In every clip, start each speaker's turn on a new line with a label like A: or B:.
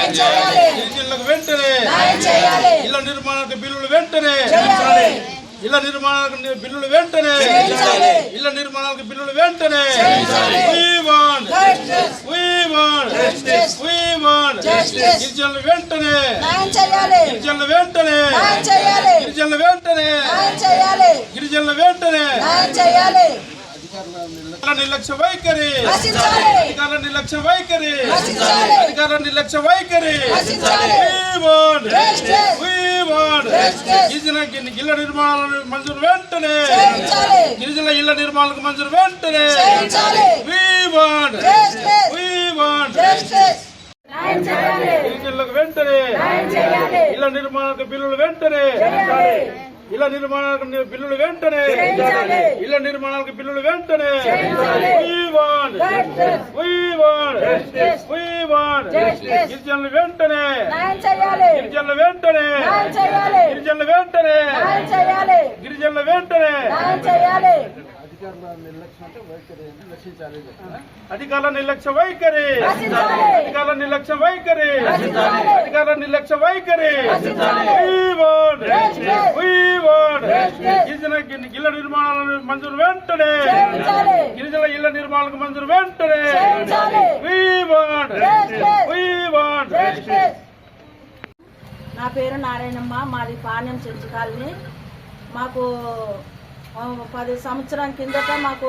A: గిరిజనులకు వెంటనే ఇళ్ల నిర్మాణానికి బిల్లులు వెంటనే ఇళ్ల నిర్మాణానికి బిల్లులు వెంటనే ఇళ్ల నిర్మాణానికి బిల్లులు వెంటనే గిరిజనులు వెంటనే గిరిజనులు వెంటనే గిరిజనులు వెంటనే గిరిజనులు వెంటనే నిర్లక్ష్య వైఖరి అధికారుల నిర్లక్ష్య వైఖరి అధికారుల నిర్లక్ష్య వైఖరి గిరిజన ఇళ్ల నిర్మాణాలను మంజూరు వెంటనే గిరిజన ఇళ్ల నిర్మాణాలకు మంజూరు వెంటనే గిరిజనులకు వెంటనే ఇళ్ల నిర్మాణాలకు బిల్లులు వెంటనే ఇళ్ల నిర్మాణాలకు బిల్లులు వెంటనే ఇళ్ల నిర్మాణాలకు బిల్లులు వెంటనే గిరిజనులు వెంటనే గిరిజనులు వెంటనే గిరిజనులు వెంటనే గిరిజనులు వెంటనే అధికారుల నిర్లక్ష్య వైఖరి అధికారుల నిర్లక్ష్య వైఖరి అధికారుల నిర్లక్ష్య వైఖరి గిరిజన ఇళ్ల నిర్మాణాలను మంజూరు వెంటనే గిరిజన ఇళ్ల నిర్మాణాలకు మంజూరు వెంటనే
B: నా పేరు నారాయణమ్మ, మాది పాణ్యం చెంచు కాలనీ. మాకు 10 సంవత్సరం కిందట మాకు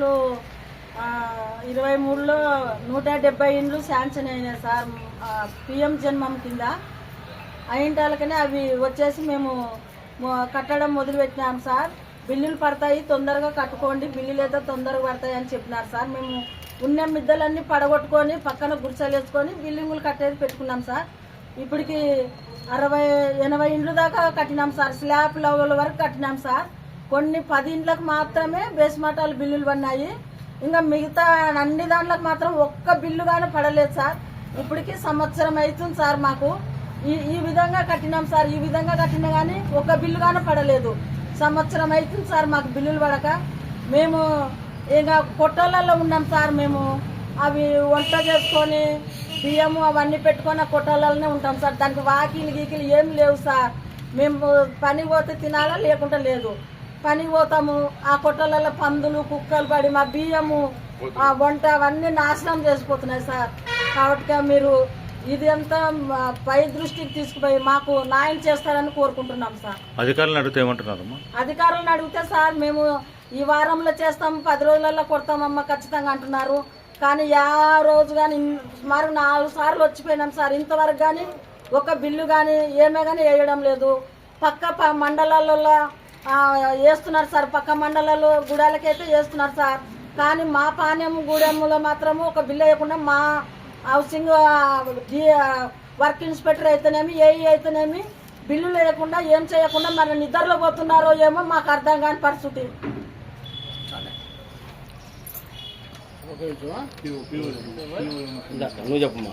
B: 2023లో 170 ఇండ్లు శాంక్షన్ అయినాయి సార్. పిఎం జన్మం కింద అయింటాలకనే అవి వచ్చేసి మేము కట్టడం మొదలుపెట్టినాం సార్. బిల్లులు పడతాయి, తొందరగా కట్టుకోండి, బిల్లులు అయితే తొందరగా పడతాయి అని చెప్పినారు సార్. మేము ఉన్న మిద్దలన్నీ పడగొట్టుకొని పక్కన గుడిసెలు వేసుకొని బిల్డింగులు కట్టేది పెట్టుకున్నాం సార్. ఇప్పటికి 60-80 ఇండ్లు దాకా కట్టినాం సార్. స్లాబ్ లెవెల్ వరకు కట్టినాం సార్. కొన్ని 10 ఇండ్లకు మాత్రమే బేస్మటాలు బిల్లులు పడినాయి. ఇంకా మిగతా అన్ని దాంట్లకు మాత్రం ఒక్క బిల్లు కానీ పడలేదు సార్. ఇప్పటికి సంవత్సరం అవుతుంది సార్. మాకు ఈ విధంగా కట్టినాం సార్. ఈ విధంగా కట్టినా కానీ ఒక్క బిల్లు కానీ పడలేదు. సంవత్సరం అవుతుంది సార్ మాకు బిల్లులు పడక. మేము ఇంకా కొట్టాలలో ఉన్నాం సార్. మేము అవి వంట చేసుకొని బియ్యము అవన్నీ పెట్టుకొని ఆ కొట్టాలలోనే ఉంటాం సార్. దానికి వాకిలు గీకిలు ఏం లేవు సార్. మేము పని పోతే తినాలా, లేకుంటే లేదు. పనికి పోతాము, ఆ కొట్టలలో పందులు కుక్కలు పడి మా బియ్యము ఆ వంట అవన్నీ నాశనం చేసిపోతున్నాయి సార్. కాబట్టి మీరు ఇది అంతా పై దృష్టికి తీసుకుపోయి మాకు న్యాయం చేస్తారని కోరుకుంటున్నాం సార్.
C: అధికారులను అడిగితే ఏమంటున్నారమ్మా?
B: అధికారులను అడిగితే సార్ మేము ఈ వారంలో చేస్తాము, 10 రోజులలో కొడతామమ్మా ఖచ్చితంగా అంటున్నారు. కానీ రోజు కానీ సుమారు 4 సార్లు వచ్చిపోయినాం సార్. ఇంతవరకు కానీ ఒక బిల్లు కానీ ఏమే కానీ వేయడం లేదు. పక్క మండలాలలో వేస్తున్నారు సార్. పక్క మండలాలు గూడాలకైతే వేస్తున్నారు సార్. కానీ మా పాణ్యం గూడెంలో మాత్రము ఒక బిల్లు వేయకుండా మా హౌసింగ్ వర్క్ ఇన్స్పెక్టర్ అయితేనేమి, ఏఈ అయితేనేమి బిల్లులు వేయకుండా ఏం చేయకుండా మన నిద్రలో పోతున్నారో ఏమో మాకు అర్థం కాని పరిస్థితి.
C: నువ్వు చెప్పమ్మా.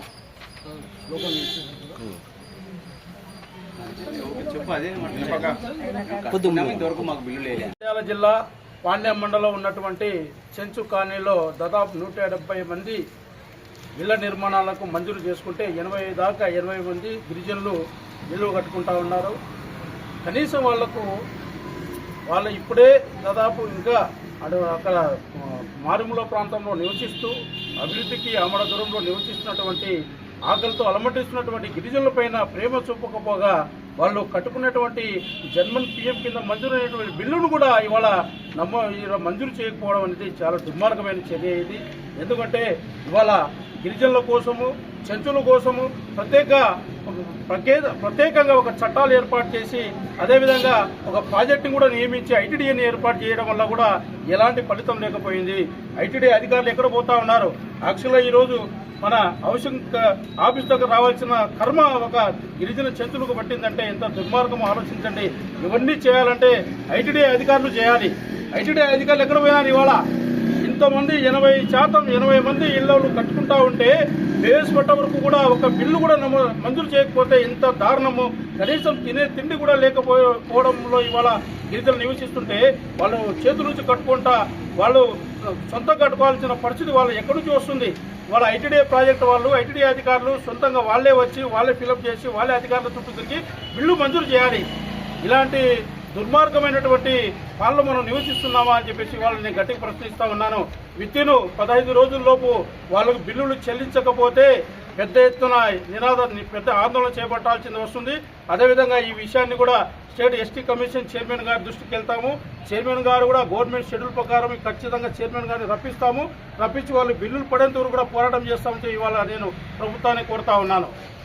D: నంద్యాల జిల్లా పాండ్యం మండలం ఉన్నటువంటి చెంచు కాలనీలో దాదాపు 170 మంది ఇళ్ల నిర్మాణాలకు మంజూరు చేసుకుంటే 80 దాకా 80 మంది గిరిజనులు ఇల్లు కట్టుకుంటా ఉన్నారు. కనీసం వాళ్ళు ఇప్పుడే దాదాపు ఇంకా అక్కడ మారుమూల ప్రాంతంలో నివసిస్తూ అభివృద్ధికి ఆమడ దూరంలో నివసిస్తున్నటువంటి ఆకలితో అలమటిస్తున్నటువంటి గిరిజనులపైన ప్రేమ చూపకపోగా వాళ్ళు కట్టుకున్నటువంటి జన్మన్ పిఎం కింద మంజూరైనటువంటి బిల్లును కూడా ఇవాళ మంజూరు చేయకపోవడం అనేది చాలా దుర్మార్గమైన చర్య ఇది. ఎందుకంటే ఇవాళ గిరిజనుల కోసము, చెంచుల కోసము ప్రత్యేకంగా ఒక చట్టాలు ఏర్పాటు చేసి అదేవిధంగా ఒక ప్రాజెక్టును కూడా నియమించి ఐటీడీఏని ఏర్పాటు చేయడం వల్ల కూడా ఎలాంటి ఫలితం లేకపోయింది. ఐటీడీ అధికారులు ఎక్కడ పోతా ఉన్నారు? యాక్చువల్గా ఈరోజు మన హౌసింగ్ ఆఫీస్ దగ్గర రావాల్సిన కర్మ ఒక గిరిజన చెంచులకు పట్టిందంటే ఎంత దుర్మార్గం ఆలోచించండి. ఇవన్నీ చేయాలంటే ఐటీడీ అధికారులు చేయాలి. ఐటీడీ అధికారులు ఎక్కడ పోయినారు? ఇవాళ ఇంతమంది 80% మంది ఇళ్ళు కట్టుకుంటా ఉంటే బేస్పట్ట వరకు కూడా ఒక బిల్లు కూడా మంజూరు చేయకపోతే ఎంత దారుణము. కనీసం తినే తిండి కూడా లేకపోవడంలో ఇవాళ గిరిజనులు నివసిస్తుంటే వాళ్ళు చేతుల నుంచి కట్టుకుంటా వాళ్ళు సొంతంగా కట్టుకోవాల్సిన పరిస్థితి వాళ్ళు ఎక్కడి నుంచి వస్తుంది. వాళ్ళ ఐటీడీఏ ప్రాజెక్టు వాళ్ళు ఐటీడీఏ అధికారులు సొంతంగా వాళ్ళే వచ్చి వాళ్ళే ఫిలప్ చేసి వాళ్ళే అధికారుల చుట్టూ తిరిగి బిల్లు మంజూరు చేయాలి. ఇలాంటి దుర్మార్గమైనటువంటి పాలన మనం నివసిస్తున్నామా అని చెప్పేసి వాళ్ళని నేను గట్టిగా ప్రశ్నిస్తా ఉన్నాను. విత్తిను 15 రోజుల్లోపు వాళ్ళకు బిల్లులు చెల్లించకపోతే పెద్ద ఎత్తున పెద్ద ఆందోళన చేపట్టాల్సి వస్తుంది. అదేవిధంగా ఈ విషయాన్ని కూడా స్టేట్ ఎస్టీ కమిషన్ చైర్మన్ గారి దృష్టికి వెళ్తాము. చైర్మన్ గారు కూడా గవర్నమెంట్ షెడ్యూల్ ప్రకారం ఖచ్చితంగా చైర్మన్ గారిని రప్పిస్తాము. రప్పించి వాళ్ళు బిల్లులు పడేంత వరకు కూడా పోరాటం చేస్తామని ఇవాళ నేను ప్రభుత్వాన్ని కోరుతా ఉన్నాను.